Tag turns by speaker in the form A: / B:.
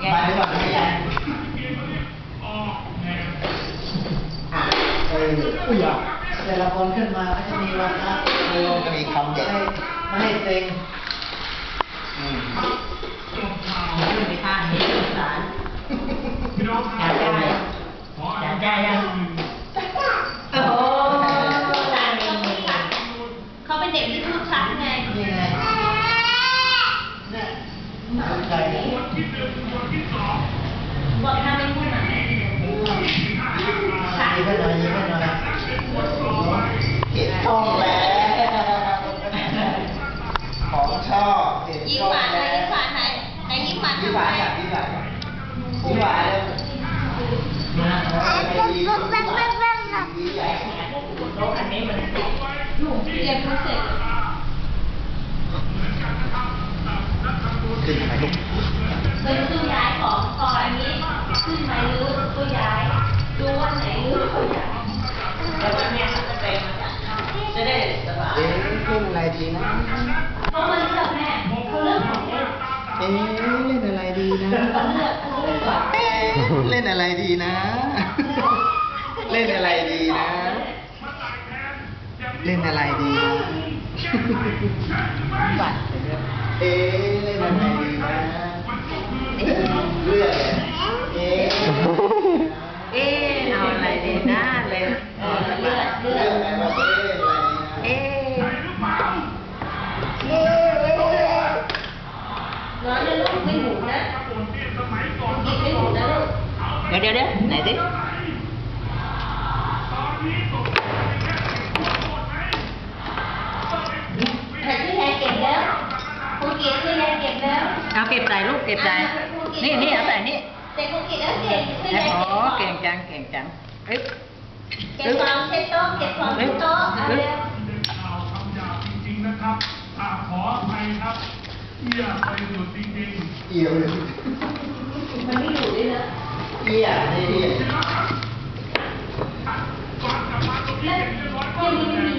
A: มาหรือเปล่าไม่ยังอุ้ยอ่ะแต่ละคนขึ้นมาก็จะมีวาระก็มีคำเด็ดไม่ให้เซ็ง
B: ขึ้นไปข้างนี้สงสารจ่ายได้ยังโอ้โห
C: เขาเป็นเด็กที่พูดชัดไง
A: นี่ไงเนี่ยใจเนี่ย
C: บอกทำเป็นผู้หญิง
A: ยิ้มให้หน่อยยิ้มให้หน่อยเห็นกล้องแล้วของชอบเห็น
C: ยิ้ม
A: กล้อง
C: หวานเล
A: แล้
C: ยว ยิ้มหวานไหนยิ้มหวาน
A: ยิ้ม
C: ทำ
A: หวาน
C: ไม
A: อ่ะยิ้มหวานยิ้มหวานเลยดีใหญ่
B: โต๊ะอันนี้มัน
C: เรียนรู้เสร็จ
A: ขึ้นทำไมลูก
C: เป็นตู้ย้ายของก่อนอันนี้ขึ้นไหมหรือตู้ย้ายดูว่าไหนหรือตู้ย้าย
B: แล้ววันนี้จะไปมาจากจะได้สบาย
A: เอ๊ะเล่นอะไรดีนะ
C: เขามาเลือกแม่เขาเลือกของเล่น
A: เอ๊ะเล่นอะไรดีนะ
C: เขาเลือกก่อน
A: เอ๊ะเล่นอะไรดีนะ เล่นอะไรดีนะ เล่นอะไรดีนะบัตรเอ๊ะเล่นอะไรดีนะเอ๊ะเลือกเลยเอ๊ะ
B: เอาอะไรดีนะเลย
C: เลือก
A: เลือกไหมว่าเอ๊ะเล่นอะไรดีนะ
C: ร้อนเลยลูกไม่หมุนนะกินไม่หมุนนะลูก
B: เดี๋ยวไหนดิ
C: แต่ที่ยายเก็บแล้วคุณกินที่ยายเก็บแล้ว
B: เอาเก็บใส่ลูกเก็บใส่นี่เอาใส่นี่
C: แต่คุณกินแล้วเก่งที่ยาย
B: โอ้
C: เก็บ
B: เก่งจังเอ๊ะ
C: เก็บของเช็ดโต๊ะเก็บของเช็ดโต๊ะเอาเร็ว
D: ข่าวคำหยาบจริงๆนะครับขออภัยครับเอี่ยไปสุดจริงๆ
A: เอี่ยวเลย
C: มันไม่อยู่ด้วยนะ
A: เอี่ยเอี่ย
C: แล้วที่นี่